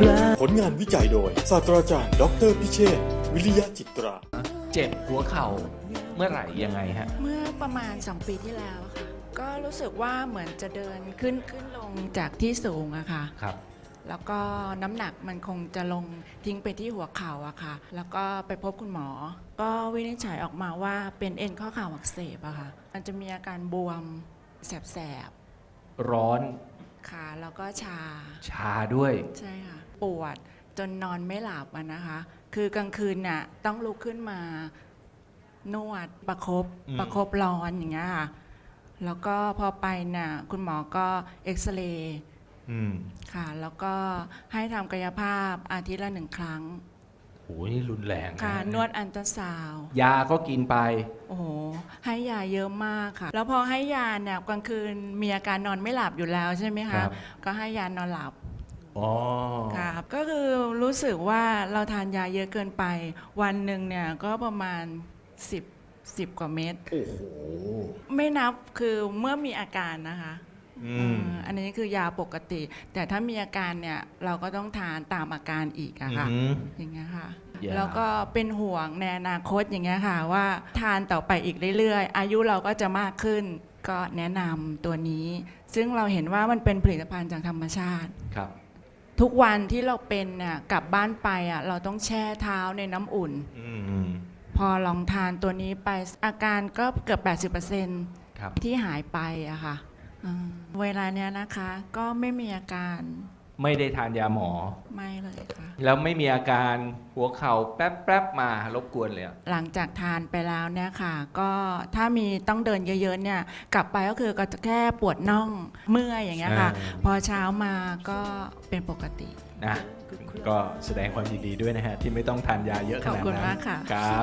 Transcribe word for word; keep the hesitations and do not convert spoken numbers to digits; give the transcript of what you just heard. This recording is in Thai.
ผลงานวิจัยโดยศาสตราจารย์ดอกเตอรพิเชษฐ์วิริยะจิตราเจ็บหัวเข่าเมื่อไหร่ยังไงฮะเมื่อประมาณสองปีที่แล้วค่ะก็รู้สึกว่าเหมือนจะเดินขึ้นขึ้นลงจากที่สูงอะค่ะครับแล้วก็น้ำหนักมันคงจะลงทิ้งไปที่หัวเข่าอะค่ะแล้วก็ไปพบคุณหมอก็วินิจฉัยออกมาว่าเป็นเอ็นข้อเข่าอักเสบอะค่ะมันจะมีอาการบวมแสบๆร้อนค่ะแล้วก็ชาชาด้วยใช่ค่ะปวดจนนอนไม่หลับอะนะคะคือกลางคืนน่ะต้องลุกขึ้นมานวดประคบประคบร้อนอย่างเงี้ยค่ะแล้วก็พอไปน่ะคุณหมอก็เอ็กซเรย์ค่ะแล้วก็ให้ทำกายภาพอาทิตย์ละหนึ่งครั้งโอ้ยนี่รุนแรงค่ะนวดอัลตราซาวด์ยาก็กินไปโอ้โหให้ยาเยอะมากค่ะแล้วพอให้ยาเนี่ยกลางคืนมีอาการนอนไม่หลับอยู่แล้วใช่ไหมคะก็ให้ยานอนหลับอ๋อครับก็คือรู้สึกว่าเราทานยาเยอะเกินไปวันหนึ่งเนี่ยก็ประมาณสิบ สิบกว่าเม็ดโอ้โหไม่นับคือเมื่อมีอาการนะคะอันนี้คือยาปกติแต่ถ้ามีอาการเนี่ยเราก็ต้องทานตามอาการอีกอะค่ะอย่างเงี้ยค่ะแล้วก็เป็นห่วงในอนาคตอย่างเงี้ยค่ะว่าทานต่อไปอีกเรื่อยๆอายุเราก็จะมากขึ้นก็แนะนำตัวนี้ซึ่งเราเห็นว่ามันเป็นผลิตภัณฑ์จากธรรมชาติครับทุกวันที่เราเป็นเนี่ยกลับบ้านไปอ่ะเราต้องแช่เท้าในน้ำอุ่นพอลองทานตัวนี้ไปอาการก็เกือบ แปดสิบเปอร์เซ็นต์ ที่หายไปอะค่ะเวลาเนี้ยนะคะก็ไม่มีอาการไม่ได้ทานยาหมอไม่เลยค่ะแล้วไม่มีอาการหัวเข่าแป๊บๆมารบกวนเลยหลังจากทานไปแล้วเนี่ยค่ะก็ถ้ามีต้องเดินเยอะๆเนี่ยกลับไปก็คือก็จะแค่ปวดน่องเมื่อยอย่างเงี้ยค่ะพอเช้ามาก็เป็นปกตินะก็แสดงความยินดีด้วยนะฮะที่ไม่ต้องทานยาเยอะขนาดนั้นขอบคุณมากค่ะ